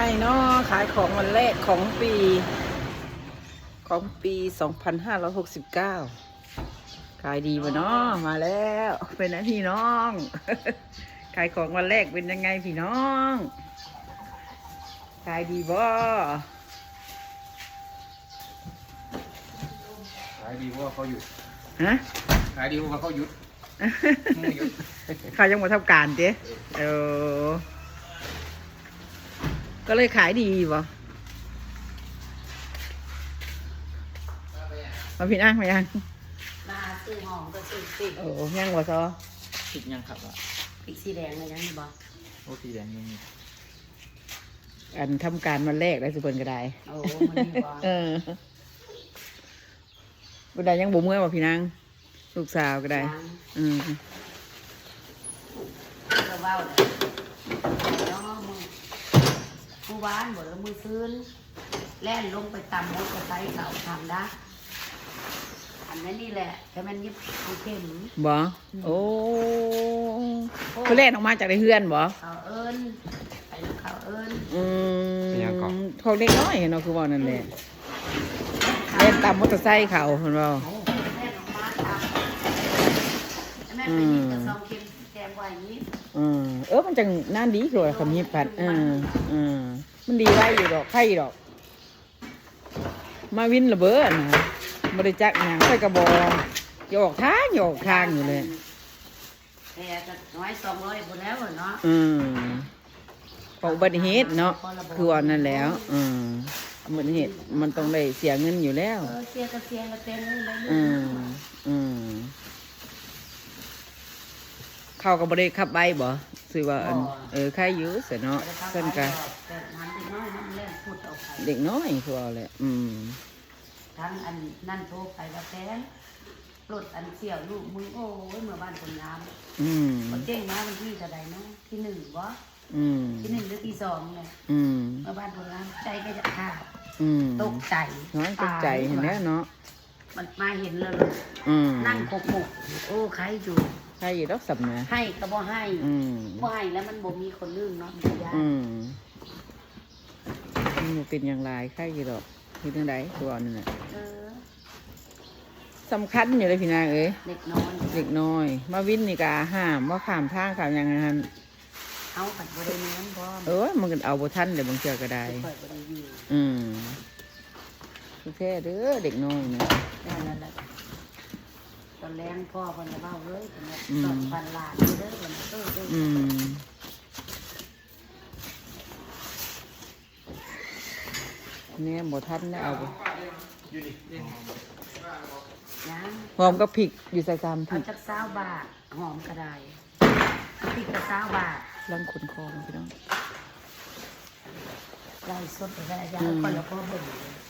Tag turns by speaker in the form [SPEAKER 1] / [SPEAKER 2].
[SPEAKER 1] เนาะขายของวันแรกของปี2569ขายดีป่ะเนาะมาแล้วเป็นไงพี่น้อง ขายของวันแรกเป็นยังไงพี่น้องขายดีบ่
[SPEAKER 2] ขายดีเพราะว่าเขาหยุด
[SPEAKER 1] ฮะ
[SPEAKER 2] ขายดีเพราะว่าเขาหยุดหยุด
[SPEAKER 1] เขายังมาทำการเจ๊ก็เลยขายดีบ่มาพี่นั่งมายัง
[SPEAKER 3] มาซื้อหอมก็ซื้อพริก
[SPEAKER 1] โอ้ยังบ่ซอ
[SPEAKER 2] ผิดยังครับอ่ะ
[SPEAKER 3] พริกสีแดงเลยยังนี่บ่
[SPEAKER 2] โอ้สีแดงยังมี
[SPEAKER 1] อันทำการวันแรกได้สุเพิ่นก็ได้
[SPEAKER 3] โอ้มันนี่บ่
[SPEAKER 1] บ่ได้ยังบ่เมื่อบ่พี่นางลูกสาวก็ได้
[SPEAKER 3] ก็เว้าเนาะมือวานบ่แล้วมือซื้นแล่นลงไปตำมดกระไซเขาทำได้อันนั้นนี่แหละแต่มันยิบเอาเข็ม
[SPEAKER 1] บ่โอ้เขาแล่นออกมาจากในเฮือนบ่
[SPEAKER 3] เขาเอิ้นไปแล้วเขาเอิ้น
[SPEAKER 1] เขาเล็กน้อยเนาะคือว่านั่นแหละเล่นตามมอเตอร์ไซค์เขาเพิ่นว่า
[SPEAKER 3] แล่นออกมาตำแม่ไปยิบกระซองเข็มแกงไว้นี้
[SPEAKER 1] มันจังน่าดีคือว่าคำยิบผัดมันดีไว้อยู่ดอกไข่ดอกมาวินระเบิดนะบริจักหนังใส่กระบอกหยอกทางอยู่เลย
[SPEAKER 3] แต่ก็น้อย200บ่แล้วเนาะ
[SPEAKER 1] พออุบัติเหตุเนาะคือว่านั่นแล้วอุบัติเหตุมันต้องได้เสียเงินอยู่แล้ว
[SPEAKER 3] เสียก็เสียก็เต็มเลย
[SPEAKER 1] เข้ากับบริขับใบบ่สื่อว่าใครอยู่เสียเนาะเส้นกันเด็กน้อยคือว่าแหละ
[SPEAKER 3] ทั้งอันนั่นโทรไปแล้วแฟนรถอันเสี่ยวลูกมึงโอ้ยเมื่อบ้านคนน้ำเจ๊งมาวันที่จะได้เนาะที่1บ่ที่1หรือที่2เนี่ยเมื่อบ้านคนน้ำใจก็จะขาดตกใจ
[SPEAKER 1] น้อยตกใจเห็นแล้วเนาะ
[SPEAKER 3] มันมาเห็นแล้วนั่งขบหมกโอ้ใครอยู่
[SPEAKER 1] ใครอยู่ดอกสับนะ
[SPEAKER 3] ให้ก็บ่ให้แล้วมันบ่มีคนลืมเนาะยาก
[SPEAKER 1] มันเป็นอย่างไรใครอยู่ดอกที่ทางใดตัวนั่นแหละสำคัญอยู่เลยพี่นาง
[SPEAKER 3] เด็กน้อย
[SPEAKER 1] มาวินนี่กะห้ามว่าข้ามทางข้ามอย่างนั้น
[SPEAKER 3] เอาผัดบริเนื้อ
[SPEAKER 1] มันก็เอาบทันเดี๋ยวบางเชือก็ได้แค่เด้อเด็กน้อยนะ
[SPEAKER 3] ได้แล้วแหละตอนแรงพ่อคนจะเบ้าเลย2,000 ล้านเด้อคน
[SPEAKER 1] เนี่ยบทันได้เอาหอมก็พริกอยู่ใส่ซ้ำพริก
[SPEAKER 3] จัก20 บาทหอมก็ได้พริกก็20 บาท
[SPEAKER 1] ลังขนคอพี่น้อง
[SPEAKER 3] ไล่สดไปได้ยาคนละพ่อเบิ่ง